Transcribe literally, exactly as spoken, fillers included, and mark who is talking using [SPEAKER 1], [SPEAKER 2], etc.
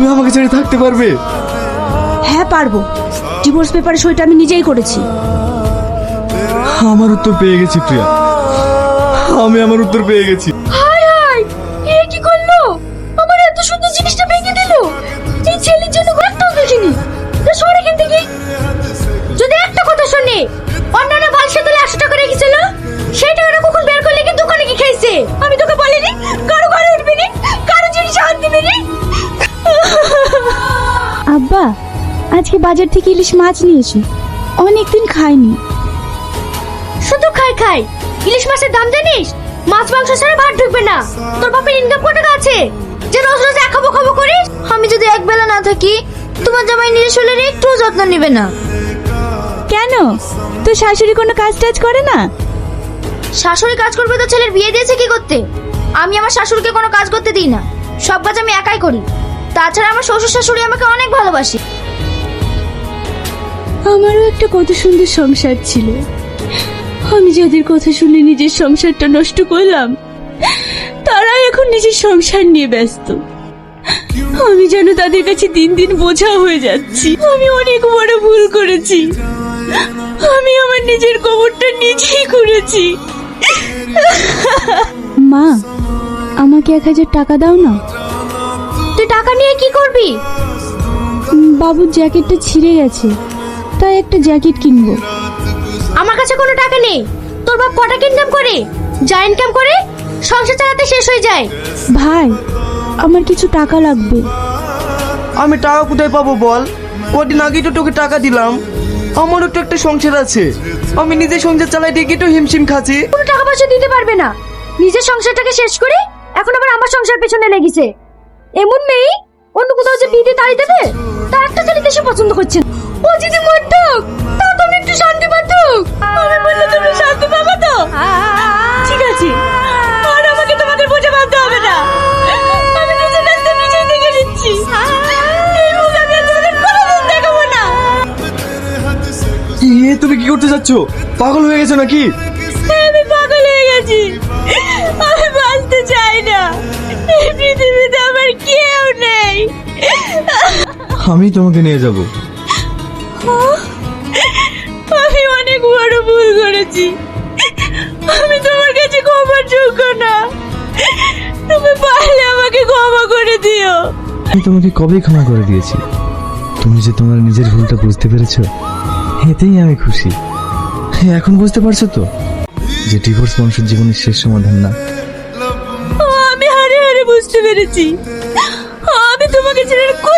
[SPEAKER 1] তুমি আমাকে ছেড়ে থাকতে পারবে?
[SPEAKER 2] হ্যাঁ পারবো, ডিভোর্স পেপারে সইটা আমি নিজেই করেছি।
[SPEAKER 1] আমার উত্তর পেয়ে গেছি প্রিয়া, আমি আমার উত্তর পেয়ে গেছি।
[SPEAKER 2] হাই হাই, এ কি করলো? আমার এত সুন্দর জিনিসটা ভেঙে দিল। এই ছেলের জন্য ঘরটাও দেখিনি। তা সরে এখান থেকে। যদি একটা কথা শুনি, অন্যান্য বালসা তুলে একশো টাকা রেখেছিল, সেটা ওরা কখন বের করলে কি দোকানে কি খাইছে? আমি তোকে বলিনি কারো ঘরে উঠবি নি, কারো জিনিস হাত দিবি নি। আব্বা, আজকে বাজার থেকে ইলিশ মাছ নিয়েছি, অনেকদিন খাইনি। শুধু খাই খাই, ইলিশ মাছের দাম জানিস? মাছ মাংস ছাড়া ভাত ঢুকবে না। তোর বাপের ইনকাম কত টাকা আছে যে রোজ রোজ এক খাবো খাবো করিস? আমি যদি এক বেলা না থাকি, তোমার জামাই নিজের শরীরে একটু যত্ন নেবে না। কেন, তোর শাশুড়ি কোনো কাজ টাজ করে না? শাশুড়ি কাজ করবে তো ছেলের বিয়ে দিয়েছে কি করতে? আমি আমার শাশুড়িকে কোনো কাজ করতে দিই না, সব কাজ আমি একাই করি। তাছাড়া আমার শ্বশুর শাশুড়ি আমাকে অনেক ভালোবাসে। আমারও একটা কত সুন্দর সংসার ছিল, আমি যাদের কথা শুনে নিজের সংসারটা নষ্ট করলাম, তারা এখন নিজের সংসার নিয়ে ব্যস্ত। আমি যেন তাদের কাছে দিন দিন বোঝা হয়ে যাচ্ছি। আমি অনেক বড় ভুল করেছি, আমি আমার নিজের কবরটা নিজেই করেছি। মা, আমাকে এক হাজার টাকা দাও না। তুই টাকা নিয়ে কি করবি? বাবুর জ্যাকেটটা ছিঁড়ে গেছে, তাই একটা জ্যাকেট কিনবো। আমার কাছে কোনো টাকা নেই। তোর বাপ কটা ইনকাম করে? যা ইনকাম করে সংসার চালাতে শেষ হয়ে যায়। ভাই, আমার কিছু টাকা লাগবে।
[SPEAKER 3] আমি টাকা কোথায় পাবো বল? কদিন আগেই তো তোকে টাকা দিলাম। আমারও তো একটা সংসার আছে, আমি নিজে সংসার চালাই দেখি তো হিমশিম খাচ্ছি।
[SPEAKER 2] কোনো টাকা পয়সা দিতে পারবে না। নিজের সংসারটাকে শেষ করে এখন আবার আমার সংসার পেছনে লেগেছে। এমন মেয়ে অন্য কোথাও যে বিয়ে দিয়ে তাড়িয়ে দেবে, তার একটা ছেলে দেশে পছন্দ করছে না। ও যদি মরতুক, তা তুমি একটু শান্তি পাতুক। আমি বললে তুমি শান্তি পাবে তো? ঠিক আছে, আর আমাকে তোমাকে বোঝা বাঁধতে হবে না। আমি নিজের রাস্তা নিজেই দেখে নিচ্ছি। এই মুখ আমি আর তোমাদের কোনোদিন দেখাবো না।
[SPEAKER 1] এ তুমি কি করতে যাচ্ছ? পাগল হয়ে গেছো নাকি?
[SPEAKER 2] আমি পাগল হয়ে গেছি, আমি বাঁচতে চাই না। এই পৃথিবীতে আমার কেউ নেই।
[SPEAKER 1] আমি তোমাকে নিয়ে যাব।
[SPEAKER 2] আমি অনেক বড় ভুল করেছি, আমি তোমার কাছে ক্ষমার যোগ্য না। তুমি পারলে আমাকে ক্ষমা করে দিও।
[SPEAKER 1] আমি তোমাকে কবেই ক্ষমা করে দিয়েছি। তুমি যে তোমার নিজের ভুলটা বুঝতে পেরেছো, এতেই আমি খুশি। এখন বুঝতে পারছো তো যে ডিভোর্স মানুষের জীবনের শেষ সমাধান না।
[SPEAKER 2] আমি হারে হারে বুঝতে পেরেছি, আমি তোমাকে ছেড়ে